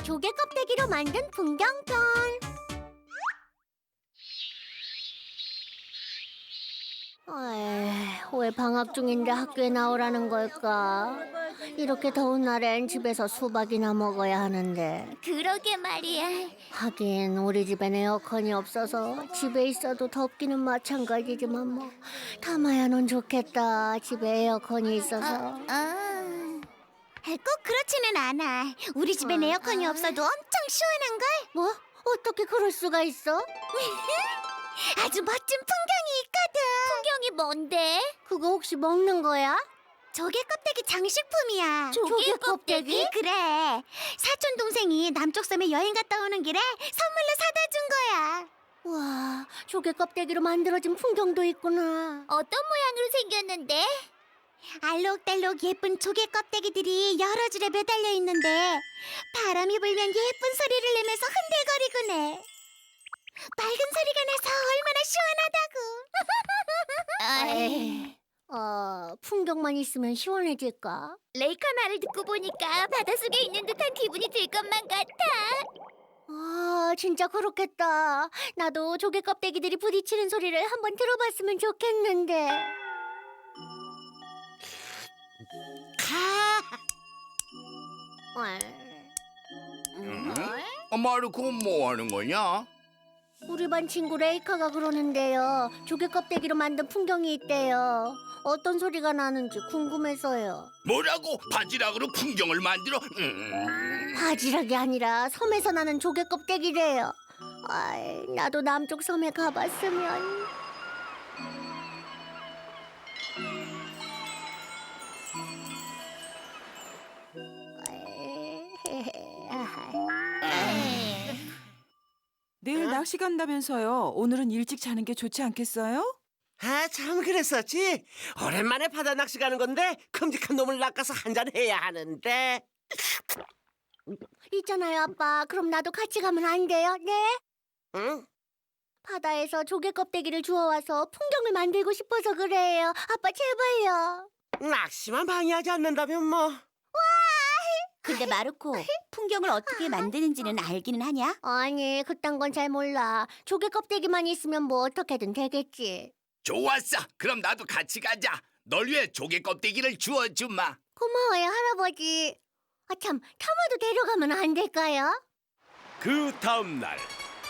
조개 껍데기로 만든 풍경편. 왜 방학 중인데 학교에 나오라는 걸까? 이렇게 더운 날엔 집에서 수박이나 먹어야 하는데. 그러게 말이야. 하긴 우리 집엔 에어컨이 없어서 집에 있어도 덥기는 마찬가지지만 뭐 타마야는 좋겠다. 집에 에어컨이 있어서. 꼭 그렇지는 않아. 우리 집엔 에어컨이 없어도 엄청 시원한걸? 뭐? 어떻게 그럴 수가 있어? 아주 멋진 풍경이 있거든. 풍경이 뭔데? 그거 혹시 먹는 거야? 조개 껍데기 장식품이야. 조개 껍데기? 그래. 사촌 동생이 남쪽 섬에 여행 갔다 오는 길에 선물로 사다 준 거야. 와, 조개 껍데기로 만들어진 풍경도 있구나. 어떤 모양으로 생겼는데? 알록달록 예쁜 조개 껍데기들이 여러 줄에 매달려 있는데 바람이 불면 예쁜 소리를 내면서 흔들거리곤 해. 맑은 소리가 나서 얼마나 시원하다고. 풍경만 있으면 시원해질까? 레이카 말을 듣고 보니까 바닷속에 있는 듯한 기분이 들 것만 같아. 진짜 그렇겠다. 나도 조개 껍데기들이 부딪히는 소리를 한번 들어봤으면 좋겠는데. 마르코 뭐 하는 거냐? 우리 반 친구 레이카가 그러는데요. 조개 껍데기로 만든 풍경이 있대요. 어떤 소리가 나는지 궁금해서요. 뭐라고? 바지락으로 풍경을 만들어? 바지락이 아니라 섬에서 나는 조개 껍데기래요. 나도 남쪽 섬에 가봤으면. 내일 낚시 간다면서요. 오늘은 일찍 자는 게 좋지 않겠어요? 참 그랬었지. 오랜만에 바다 낚시 가는 건데 큼직한 놈을 낚아서 한잔 해야 하는데. 있잖아요, 아빠. 그럼 나도 같이 가면 안 돼요? 네? 응? 바다에서 조개 껍데기를 주워와서 풍경을 만들고 싶어서 그래요. 아빠 제발요. 낚시만 방해하지 않는다면 뭐. 근데 마르코, 풍경을 어떻게 만드는지는 알기는 하냐? 아니, 그딴 건 잘 몰라. 조개 껍데기만 있으면 뭐 어떻게든 되겠지. 좋았어. 그럼 나도 같이 가자. 널 위해 조개 껍데기를 주워주마. 고마워요, 할아버지. 참, 타마도 데려가면 안 될까요? 그 다음 날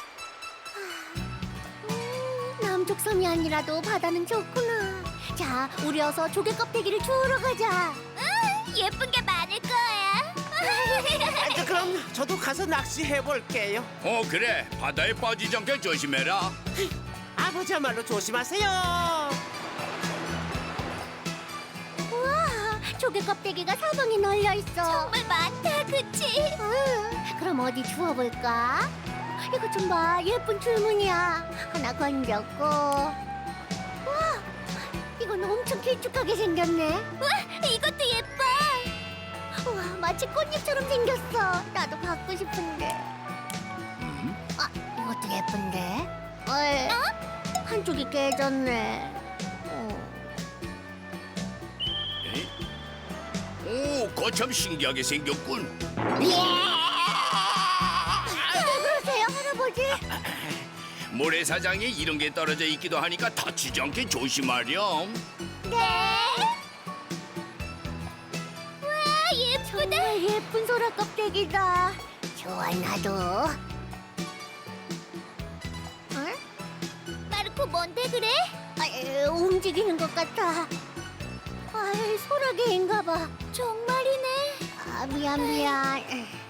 남쪽 섬이 아니라도 바다는 좋구나. 자, 우리 어서 조개 껍데기를 주우러 가자. 예쁜 게 많을 거야. 그럼 저도 가서 낚시해 볼게요. 그래. 바다에 빠지지 않게 조심해라. 아버지야말로 조심하세요. 우와, 조개 껍데기가 사방에 널려 있어. 정말 많다, 그치? 그럼 어디 주워볼까? 이거 좀 봐, 예쁜 줄무늬야. 하나 건졌고. 와, 이건 엄청 길쭉하게 생겼네. 이것도 예뻐. 우와, 마치 꽃잎처럼 생겼어. 나도 갖고 싶은데. 이것도 예쁜데. 한쪽이 깨졌네. 오, 거참 신기하게 생겼군. 그러세요, 할아버지? 모래사장에 이런 게 떨어져 있기도 하니까 다치지 않게 조심하렴. 정말 예쁜 소라 껍데기다. 좋아, 나도. 마르코, 뭔데 그래? 움직이는 것 같아. 소라게인가 봐. 정말이네. 미안.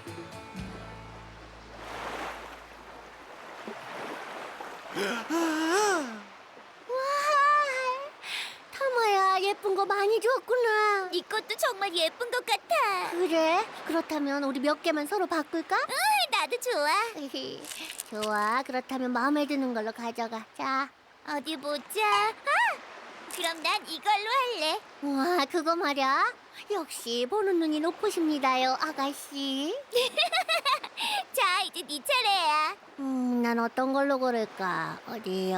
타마야, 예쁜 거 많이 줬구나. 네 것도 정말 예쁜 것 같아. 그래? 그렇다면 우리 몇 개만 서로 바꿀까? 나도 좋아. 좋아, 그렇다면 마음에 드는 걸로 가져가. 자. 어디 보자. 그럼 난 이걸로 할래. 우와, 그거 말야. 역시 보는 눈이 높으십니다요, 아가씨. 자, 이제 네 차례야. 난 어떤 걸로 고를까? 어디.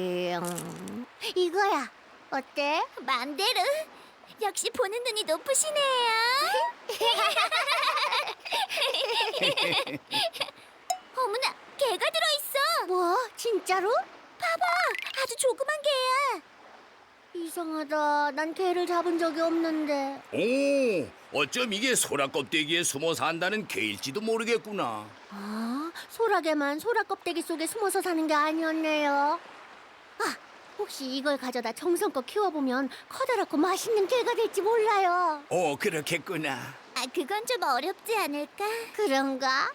이거야. 어때? 맘대로. 역시 보는 눈이 높으시네요. 어머나, 개가 들어있어. 뭐? 진짜로? 아주 조그만 개야. 이상하다. 난 개를 잡은 적이 없는데. 오, 어쩜 이게 소라 껍데기에 숨어 산다는 개일지도 모르겠구나. 아, 소라게만 소라 껍데기 속에 숨어서 사는 게 아니었네요. 아, 혹시 이걸 가져다 정성껏 키워보면 커다랗고 맛있는 개가 될지 몰라요. 오, 그렇겠구나. 아, 그건 좀 어렵지 않을까? 그런가?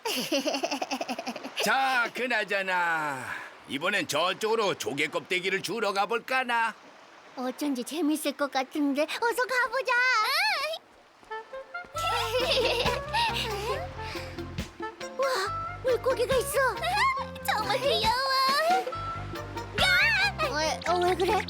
자, 그나저나 이번엔 저쪽으로 조개 껍데기를 주러 가볼까나. 어쩐지 재밌을 것 같은데 어서 가보자. 와, 물고기가 있어. 정말 귀여워. 왜 그래?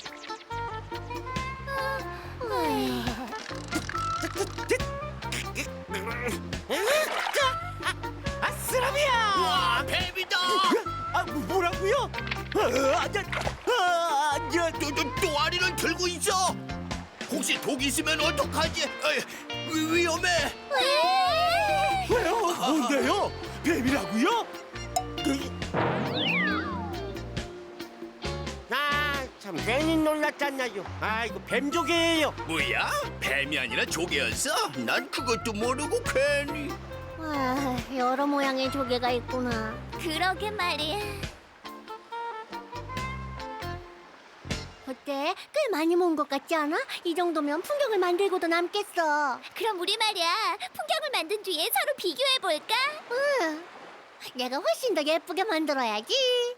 아쓰라비야! 와, 뱀이다. 아, 뭐라고요? 또 아리를 들고 있어. 혹시 독 있으면 어떡하지? 위험해. 왜요? 뭔데요? 뱀이라고요? 아, 참 괜히 놀랐잖아요. 아, 이거 뱀조개예요. 뭐야? 뱀이 아니라 조개였어? 난 그것도 모르고 괜히. 아, 여러 모양의 조개가 있구나. 그러게 말이야. 어때? 꽤 많이 모은 것 같지 않아? 이 정도면 풍경을 만들고도 남겠어. 그럼 우리 말이야, 풍경을 만든 뒤에 서로 비교해볼까? 응. 내가 훨씬 더 예쁘게 만들어야지.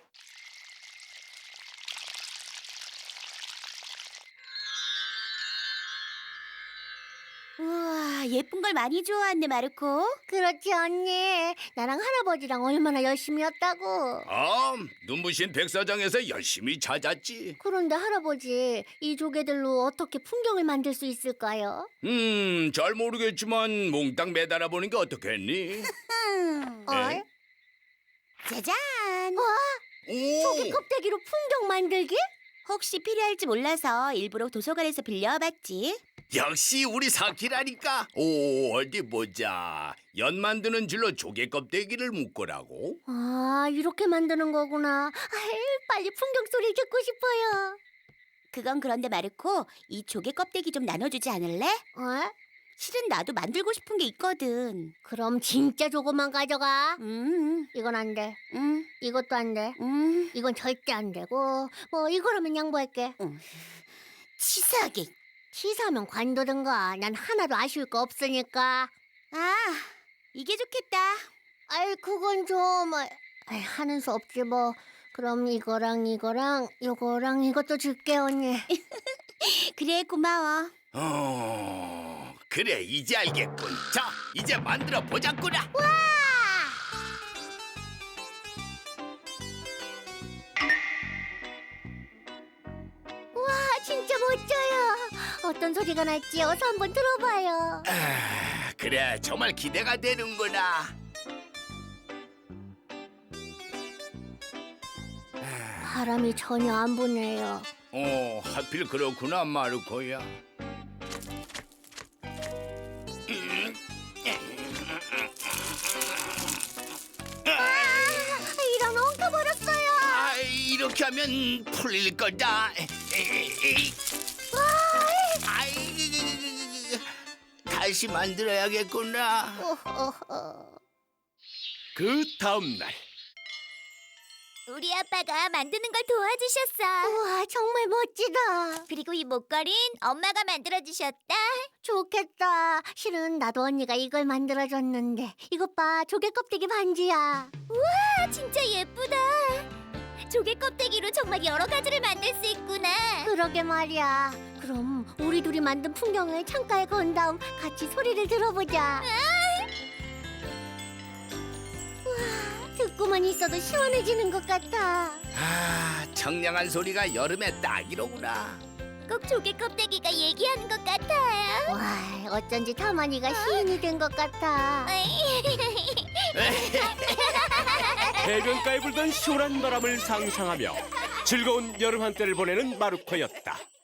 우와, 예쁜 걸 많이 좋아하네, 마르코. 그렇지 언니. 나랑 할아버지랑 얼마나 열심히 했다고. 눈부신 백사장에서 열심히 찾았지. 그런데 할아버지, 이 조개들로 어떻게 풍경을 만들 수 있을까요? 잘 모르겠지만 몽땅 매달아 보는 게 어떻겠니? 어? 짜잔! 조개 껍데기로 풍경 만들기? 혹시 필요할지 몰라서 일부러 도서관에서 빌려봤지. 역시 우리 사키라니까. 오, 어디 보자. 연 만드는 줄로 조개 껍데기를 묶으라고. 아, 이렇게 만드는 거구나. 아이, 빨리 풍경 소리 듣고 싶어요. 그건 그런데 마르코, 이 조개 껍데기 좀 나눠주지 않을래? 어? 실은 나도 만들고 싶은 게 있거든. 그럼 진짜 조금만 가져가. 이건 안 돼. 음, 이것도 안 돼. 음. 이건 절대 안 되고. 뭐 이거라면 양보할게. 치사하게. 치사하면 관두든가. 난 하나도 아쉬울 거 없으니까. 아, 이게 좋겠다. 아이, 그건 좀 아이, 하는 수 없지 뭐. 그럼 이거랑 요거랑 이것도 줄게 언니. 그래, 고마워. 그래, 이제 알겠군. 자, 이제 만들어 보자꾸나. 와, 진짜 멋져요. 어떤 소리가 날지 어서 한번 들어봐요. 그래, 정말 기대가 되는구나. 바람이 전혀 안 부네요. 하필 그렇구나, 마르코야. 이런 엉켜버렸어요. 이렇게 하면 풀릴 거다. 다시 만들어야겠구나. 그 다음 날 우리 아빠가 만드는 걸 도와주셨어. 우와, 정말 멋지다. 그리고 이 목걸이는 엄마가 만들어주셨다. 좋겠다. 실은 나도 언니가 이걸 만들어줬는데. 이것 봐, 조개 껍데기 반지야. 아, 진짜 예쁘다. 조개 껍데기로 정말 여러 가지를 만들 수 있구나. 그러게 말이야. 그럼 우리 둘이 만든 풍경을 창가에 건 다음 같이 소리를 들어보자. 우와, 듣고만 있어도 시원해지는 것 같아. 청량한 소리가 여름에 딱이로구나. 꼭 조개 껍데기가 얘기하는 것 같아요. 와, 어쩐지 타마니가 시인이 된 것 같아. 해변가에 불던 시원한 바람을 상상하며 즐거운 여름 한때를 보내는 마르코였다.